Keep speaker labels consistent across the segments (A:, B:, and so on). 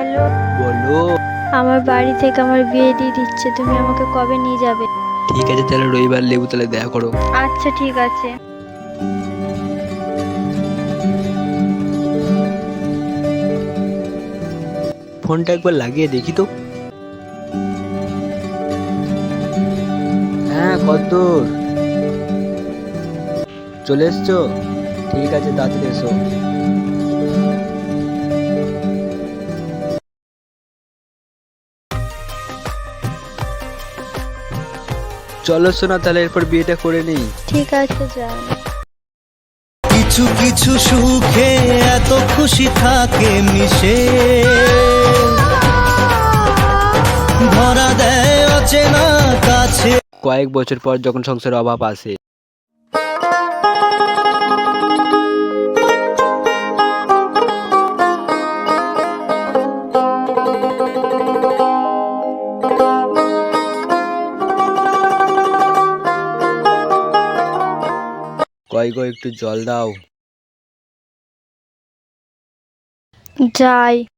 A: Hello,
B: বলো।
A: আমার বাড়ি থেকে আমার বিয়ে দিয়ে দিচ্ছে, তুমি আমাকে কবে নিয়ে যাবে?
B: ঠিক আছে, তাহলে রবিবার লেবু তাহলে দেখা করো।
A: আচ্ছা ঠিক আছে।
B: ফোনটা একবার লাগিয়ে দেখি তো। হ্যাঁ, কতদূর? চলে এসছো? ঠিক আছে, তাড়াতাড়ি এসো। চলো শোনা, তাহলে এরপর বিয়েটা করে নিই।
A: ঠিক আছে, যাও।
C: কিছু কিছু সুখে এত খুশি থাকে মিশে, ধরা দেয় অচেনা কাছে।
B: কয়েক বছর পর যখন সংসারের অভাব আসে, কয় গো একটু জল দাও।
A: যাই।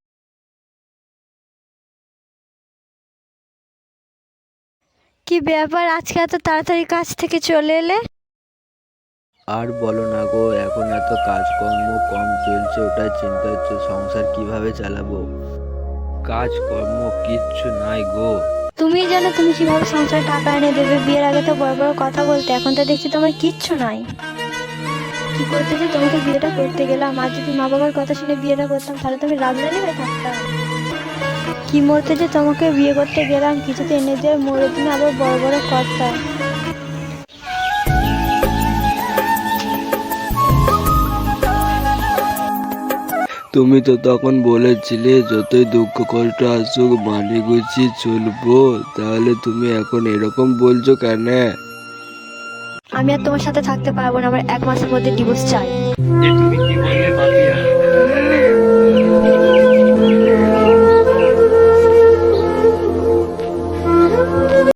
A: কি ব্যাপার, আজকে এত তাড়াতাড়ি কাজ থেকে চলে এলে?
B: আর বলো না গো, এখন এত কাজকর্ম কম চলছে, ওটাই চিন্তা হচ্ছে সংসার কিভাবে চালাবো। কাজকর্ম কিচ্ছু নাই গো।
A: তুমি জানো তুমি কিভাবে সংসারে টাকা এনে দেবে, বিয়ের আগে তো বড় বড় কথা বলতে, এখন তো দেখছি তোমার কিচ্ছু নাই। কি করতে যে তোমাকে বিয়েটা করতে গেলাম, আর যদি মা বাবার কথা শুনে বিয়েটা করতাম তাহলে তুমি রাজরানী হয়ে থাকতাম। কি মরতে যে তোমাকে বিয়ে করতে গেলাম, কিছুতে এনে দিয়ে মরে তুমি আবার বড় বড় কথা।
B: তুমি তো তখন বলেছিলে যতই দুঃখ কষ্ট আসুক মানিয়ে গুছিয়ে চলবো, তাহলে তুমি এখন এরকম বলছো কেন?
A: আমি আর তোমার সাথে থাকতে পারবো না, আমার 1 মাসের মধ্যে ডিভোর্স চাই।
B: তুমি কি বললে পাপিয়া?